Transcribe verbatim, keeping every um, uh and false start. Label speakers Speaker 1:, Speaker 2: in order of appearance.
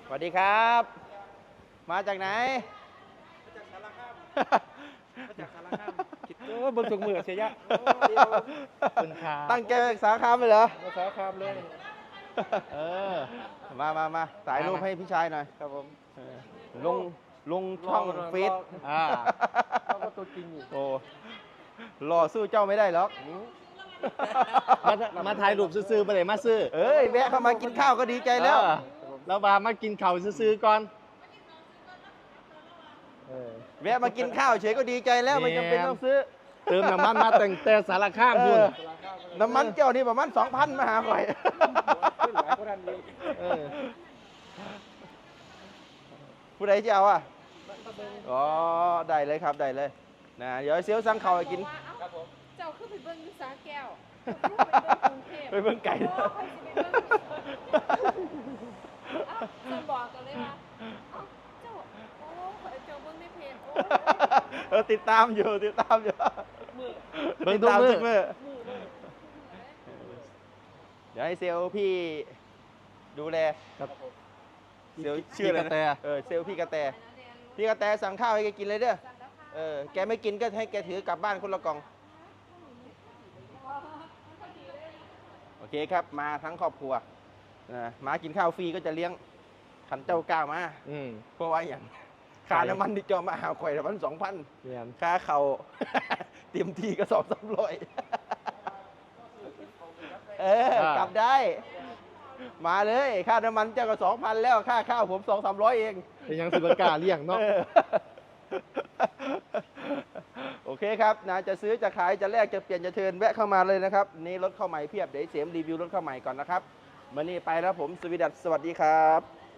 Speaker 1: สวัสดีครับ มาจากไหน
Speaker 2: มาจากสารคามมาจากสารคามคิดโอ้เบิ่งถุงมือเสียยะคุณค่า
Speaker 1: ตั้งแกสาขาเลยเหรอ
Speaker 2: มาสารคามเลย
Speaker 1: เออ มามามาถ่ายรูปให้พี่ชายหน่อย
Speaker 2: ครับผม
Speaker 1: ลง ลงช่องฟีด
Speaker 2: อ่าเขาก็ตัวจริงอยู่
Speaker 1: โอ้หล่อสู้เจ้าไม่ได้หรอก
Speaker 3: มามาถ่ายรูปซื้อๆไปเลยมาซื้อ
Speaker 1: เอ้ยแวะเข้ามากินข้าวก็ดีใจแล้ว
Speaker 3: เออแล้วบามากินข้าวซื้อๆก่อน
Speaker 2: เออ
Speaker 1: แวะมากินข้าวเฉยก็ดีใจแล้วไม่จำเป็นต้องซื้อ
Speaker 3: เติมน้ำมันมาแต่งแต่สารข้าม
Speaker 1: เอ
Speaker 3: พุ่น
Speaker 1: อน้ำมันเจ้านี่ประมาณสองพันมาหาข่อย
Speaker 2: ขึ้นหลายคนทันดี
Speaker 3: เออ
Speaker 1: ผู้ใดจะเอาอ่ะ อ๋อ ได้เลยครับ ได้เลยนะเดี๋ยวเซียวสั่งข้าวให้กิน
Speaker 2: ครับผม
Speaker 4: เจ้าขึ้นไปเบิ้งอยุสาแก้วเจ้าขึ้นไปเบิ้งกรุงเทพ
Speaker 1: ไปเบิ่งไก่
Speaker 4: โอ้ใครสิไปเบิ้งเอ้าเจ้าบอกกันเลยว่าเอ้าเจ้าโอ้เจ้าเบิ้งในเพจโอ้
Speaker 1: เออติดตามอยู่ติดตามอยู่
Speaker 4: มือ
Speaker 3: เบิ่งทุกมื้อ
Speaker 1: ติดตามือ
Speaker 4: มือเลย
Speaker 1: เดี๋ยวให้เซลล์พี่ดูแล
Speaker 3: ครับ
Speaker 1: เซลล์ชื่ออะไร
Speaker 3: พี่กระแต
Speaker 1: นะเออเซลล์พี่กระแตพี่กระแตสั่งข้าวให้แกกินเลยเด้อเออแกไม่กินก็ให้แกถือกลับบ้านคนละกล่องโอเคครับมาทั้งครอบครัวนะมากินข้าวฟรีก็จะเลี้ยงขันเจ้าก้าวมา
Speaker 3: อืม
Speaker 1: เพราะว่าอย่างค่าน้ำมันที่จอมาหาข่อยละพันสองพัน
Speaker 3: เรียน
Speaker 1: ค่าเขา เตรียมทีก็สองสามร้อยเออกลับได้ มาเลย ค่าน้ำมันเจ้าก็สองพันแล้ว ค่าข้าวผมสองสามร้อยเอง
Speaker 3: เป็นยังสิบกล้าเลี้ยงเนาะ
Speaker 1: เออ โอเคครับนะจะซื้อจะขายจะแลกจะเปลี่ยนจะเทิร์นแวะเข้ามาเลยนะครับ นี่รถเข้าใหม่เพียบ เดี๋ยวเสียมรีวิวรถเข้าใหม่ก่อนนะครับวันนี้ไปแล้วผมสวีดัสสวัสดีครับ